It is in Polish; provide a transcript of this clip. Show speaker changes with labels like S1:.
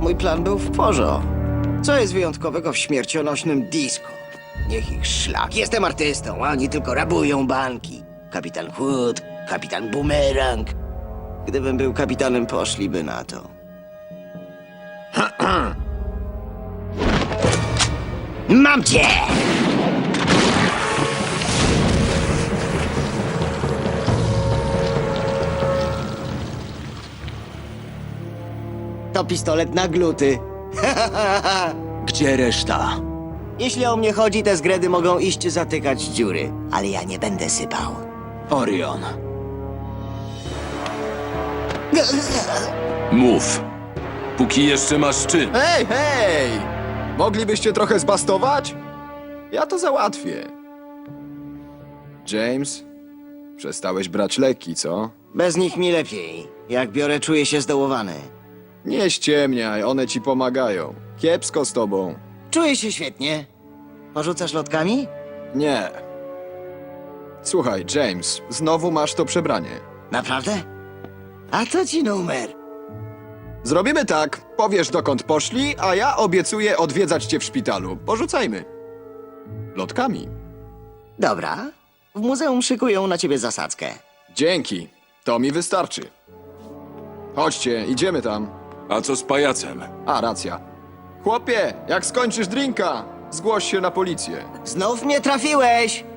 S1: mój plan był w porządku. Co jest wyjątkowego w śmiercionośnym disco? Niech ich szlak. Jestem artystą, a oni tylko rabują banki. Kapitan Hood, kapitan Boomerang. Gdybym był kapitanem, poszliby na to. Mam cię! To pistolet na gluty.
S2: Gdzie reszta?
S1: Jeśli o mnie chodzi, te zgredy mogą iść zatykać dziury, ale ja nie będę sypał.
S2: Orion. Mów. Póki jeszcze masz czyn.
S3: Hej, hej! Moglibyście trochę zbastować? Ja to załatwię. James, przestałeś brać leki, co?
S1: Bez nich mi lepiej. Jak biorę, czuję się zdołowany.
S3: Nie ściemniaj, one ci pomagają. Kiepsko z tobą.
S1: Czuję się świetnie. Porzucasz lotkami?
S3: Nie. Słuchaj, James, znowu masz to przebranie.
S1: Naprawdę? A to ci numer.
S3: Zrobimy tak. Powiesz, dokąd poszli, a ja obiecuję odwiedzać cię w szpitalu. Porzucajmy. Lotkami.
S1: Dobra. W muzeum szykują na ciebie zasadzkę.
S3: Dzięki. To mi wystarczy. Chodźcie, idziemy tam.
S2: A co z pajacem?
S3: A, racja. Chłopie, jak skończysz drinka, zgłoś się na policję.
S1: Znów mnie trafiłeś!